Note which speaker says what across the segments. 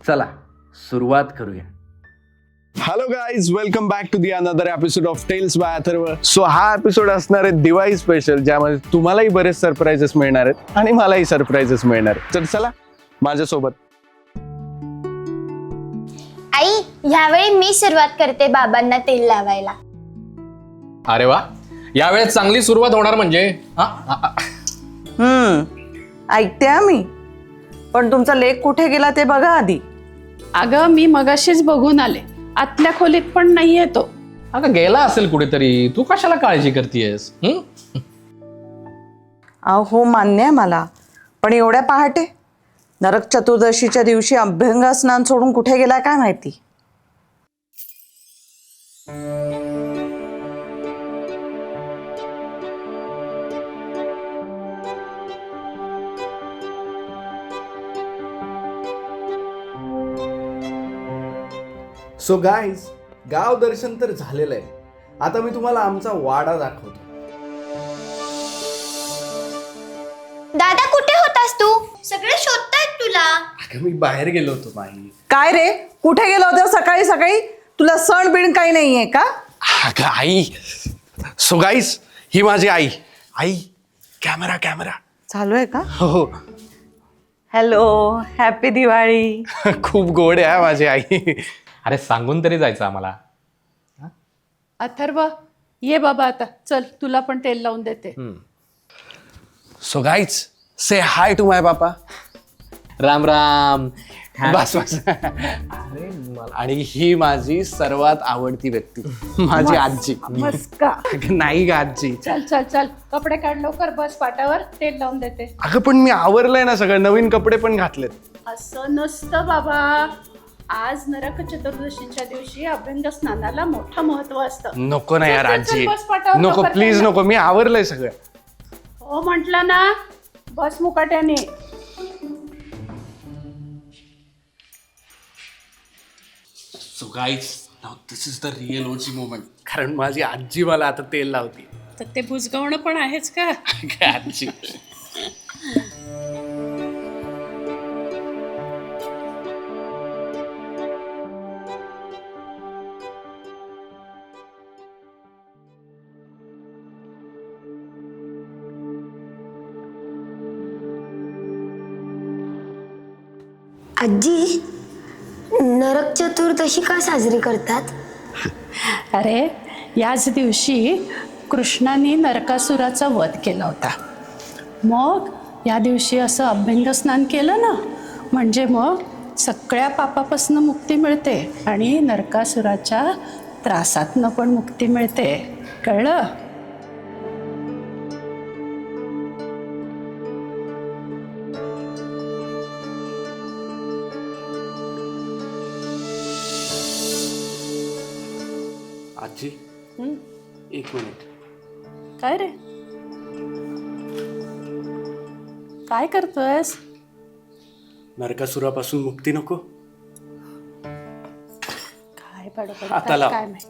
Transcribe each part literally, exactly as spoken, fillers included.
Speaker 1: चला सुरुवात करूया.
Speaker 2: Hello guys, welcome back to the another episode of tales by Atharva. So हा एपिसोड असणार आहे दिवाळी स्पेशल, ज्यामध्ये तुम्हालाही बरेच सरप्राइजेस मिळणार आहेत आणि मलाही सरप्राइजेस मिळणार आहेत. तर चला माझ्यासोबत.
Speaker 3: आई, ह्यावेळी मी सुरुवात करते बाबांना तेल लावायला.
Speaker 4: अरे वा, यावेळेस चांगली सुरुवात होणार म्हणजे.
Speaker 5: हम्म ऐकते मी, पण तुमचा लेक कुठे गेला ते बघा आधी.
Speaker 6: अगं मी मगाशीच बघून आले, आतल्या खोलीत पण नाहीये तो.
Speaker 4: अगं गेला असेल कुठेतरी, तू कशाला काळजी करतेयस?
Speaker 5: अहो मान्य आहे मला, पण एवढ्या पहाटे नरक चतुर्दशीच्या दिवशी अभ्यंग स्नान सोडून कुठे गेला काय माहिती.
Speaker 1: सो गाईज, गाव दर्शन तर झालेलं आहे. आता मी तुम्हाला आमचा वाडा दाखवतो.
Speaker 3: दादा, कुठे होतास तू? सगळे शोधतायत तुला.
Speaker 1: अगं मी बाहेर गेलो होतो माई.
Speaker 5: काय रे, कुठे गेला होता सकाळी सकाळी? तुला सण बिण काही नाहीये का?
Speaker 2: अगं आई, सो गाईज ही माझी आई. आई कॅमेरा कॅमेरा
Speaker 5: चालू आहे का?
Speaker 2: हो.
Speaker 5: Hello, happy Diwali.
Speaker 2: खूप गोड आहे माझी आई.
Speaker 4: अरे सांगून तरी जायचं आम्हाला.
Speaker 6: अथर्व, ये बाबा आता, चल तुला पण तेल लावून देते.
Speaker 2: So guys say hi to my papa.
Speaker 4: Ram Ram.
Speaker 2: बस बस. अरे मला- आणि ही माझी सर्वात आवडती व्यक्ती, माझी आजी.
Speaker 6: बस का?
Speaker 2: अगं नाही ग आजी.
Speaker 6: चल चल चल, कपडे काढ लवकर, बस पाटावर तेल लावून देते.
Speaker 2: अगं पण मी आवरलंय ना सगळं, नवीन कपडे पण घातलेत.
Speaker 6: असं नसतं बाबा, आज नरक चतुर्दशीच्या दिवशी अभ्यंग स्नानाला मोठं महत्व असतं.
Speaker 2: नको ना यार
Speaker 6: चल, चल, चल,
Speaker 2: आजी,
Speaker 6: बस पाटावर,
Speaker 2: नको
Speaker 6: लवकर
Speaker 2: प्लीज
Speaker 6: चल ना.
Speaker 2: नको, मी आवरलंय सगळं.
Speaker 6: हो म्हटलं ना, बस मुकाट्याने.
Speaker 2: So guys, now this is the real OG moment. कारण माझी आजी मला आता तेल लावते.
Speaker 6: तर ते बुजगावणं पण आहेच का?
Speaker 2: आजी
Speaker 3: आजी, नरक चतुर्दशी का साजरी करतात?
Speaker 6: अरे, याच दिवशी कृष्णाने नरकासुराचा वध केला होता. मग या दिवशी असं अभ्यंग स्नान केलं ना, म्हणजे मग सगळ्या पापापासून मुक्ती मिळते आणि नरकासुराच्या त्रासातनं पण मुक्ती मिळते. कळलं?
Speaker 2: आजी एक मिनिट.
Speaker 6: काय रे, काय करतोयस?
Speaker 2: नरकासुरापासून मुक्ती नको?
Speaker 6: काय बडबड
Speaker 2: आता लाव.
Speaker 6: काय माहिती.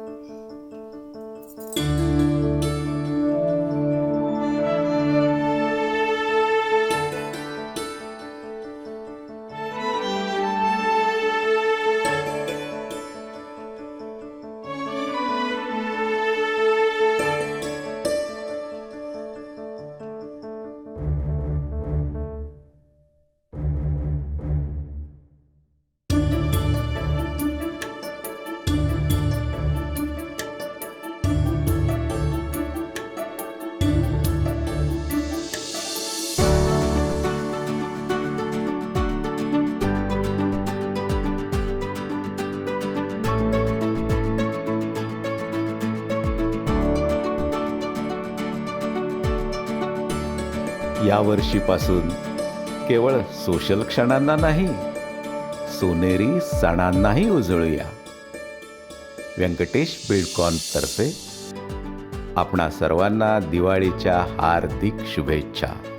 Speaker 7: या वर्षीपासून केवळ सोशल क्षणांना नाही, सोनेरी सणांनाही उजळूया. व्यंकटेश बिल्डकॉन तर्फे आपणा सर्वांना दिवाळीच्या हार्दिक शुभेच्छा.